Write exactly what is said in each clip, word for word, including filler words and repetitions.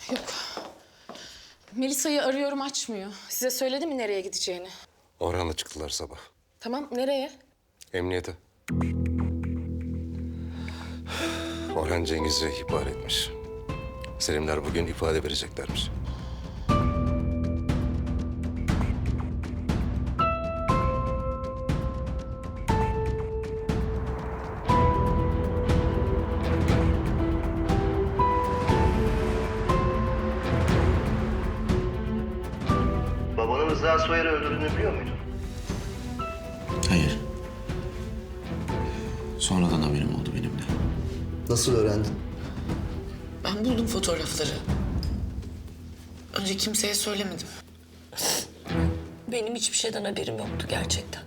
Yok. Melisa'yı arıyorum, açmıyor. Size söyledi mi nereye gideceğini? Orhan'la çıktılar sabah. Tamam, nereye? Emniyete. Orhan Cengiz'i ihbar etmiş. Selimler bugün ifade vereceklermiş. Babanın Rıza Soyer'i öldürdüğünü biliyor muydun? Hayır. Sonradan haberim oldu benim de. Nasıl öğrendin? Ben buldum fotoğrafları. Önce kimseye söylemedim. Benim hiçbir şeyden haberim yoktu gerçekten.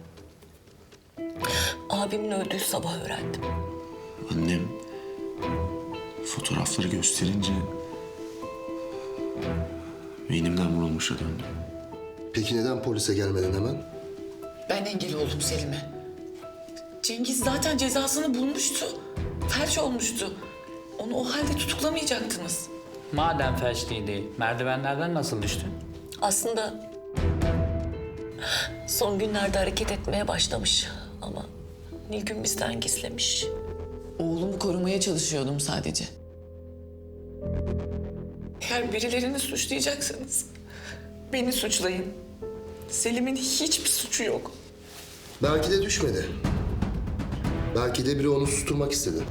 Abimin öldüğü sabah öğrendim. Annem fotoğrafları gösterince beynimden vurulmuşa döndüm. Peki neden polise gelmedin hemen? Ben engel oldum Selim'e. Cengiz zaten cezasını bulmuştu. Felç olmuştu. Onu o halde tutuklamayacaktınız. Madem felçliydi, merdivenlerden nasıl düştün? Aslında son günlerde hareket etmeye başlamış ama Nilgün bizden gizlemiş. Oğlumu korumaya çalışıyordum sadece. Eğer birilerini suçlayacaksanız beni suçlayın. Selim'in hiçbir suçu yok. Belki de düşmedi. Belki de biri onu susturmak istedi.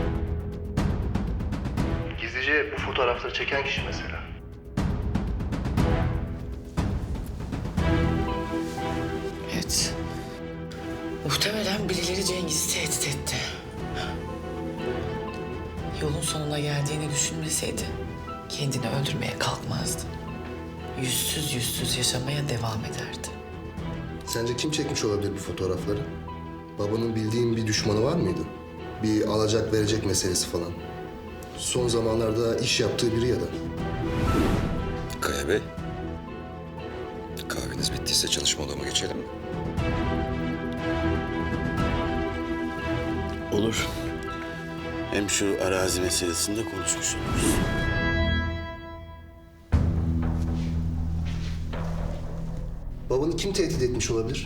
Gizlice bu fotoğrafları çeken kişi mesela. Evet. Muhtemelen birileri Cengiz'i tehdit etti. Yolun sonuna geldiğini düşünmeseydi kendini öldürmeye kalkmazdı. Yüzsüz yüzsüz yaşamaya devam ederdi. Sence kim çekmiş olabilir bu fotoğrafları? Babanın bildiğin bir düşmanı var mıydı? Bir alacak verecek meselesi falan. Son zamanlarda iş yaptığı biri ya da. Kaya Bey, kahveniz bittiyse çalışma odama geçelim mi? Olur. Hem şu arazi meselesinde konuşmuş oluruz. Babanı kim tehdit etmiş olabilir?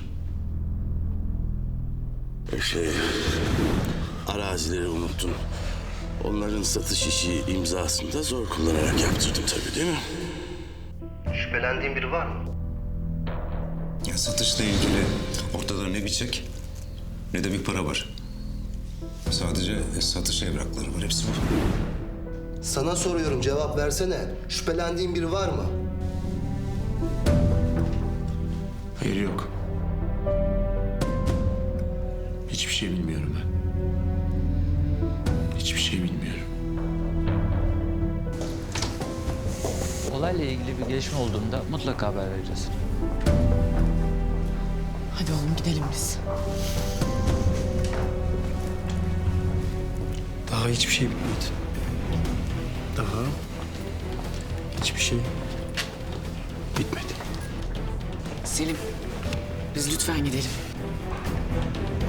Şey, arazileri unuttun. Onların satış işi imzasını da zor kullanarak yaptırdım tabii, değil mi? Şüphelendiğin biri var mı? Ya satışla ilgili ortada ne bir çek ne de bir para var. Sadece satış evrakları var, hepsi bu. Sana soruyorum, cevap versene. Şüphelendiğin biri var mı? Hayır, yok. Hiçbir şey bilmiyorum ben. Hiçbir şey bilmiyorum. Olayla ilgili bir gelişme olduğunda mutlaka haber vereceğiz. Hadi oğlum gidelim biz. Daha hiçbir şey bitmedi. Daha hiçbir şey bitmedi. Selim, biz lütfen gidelim.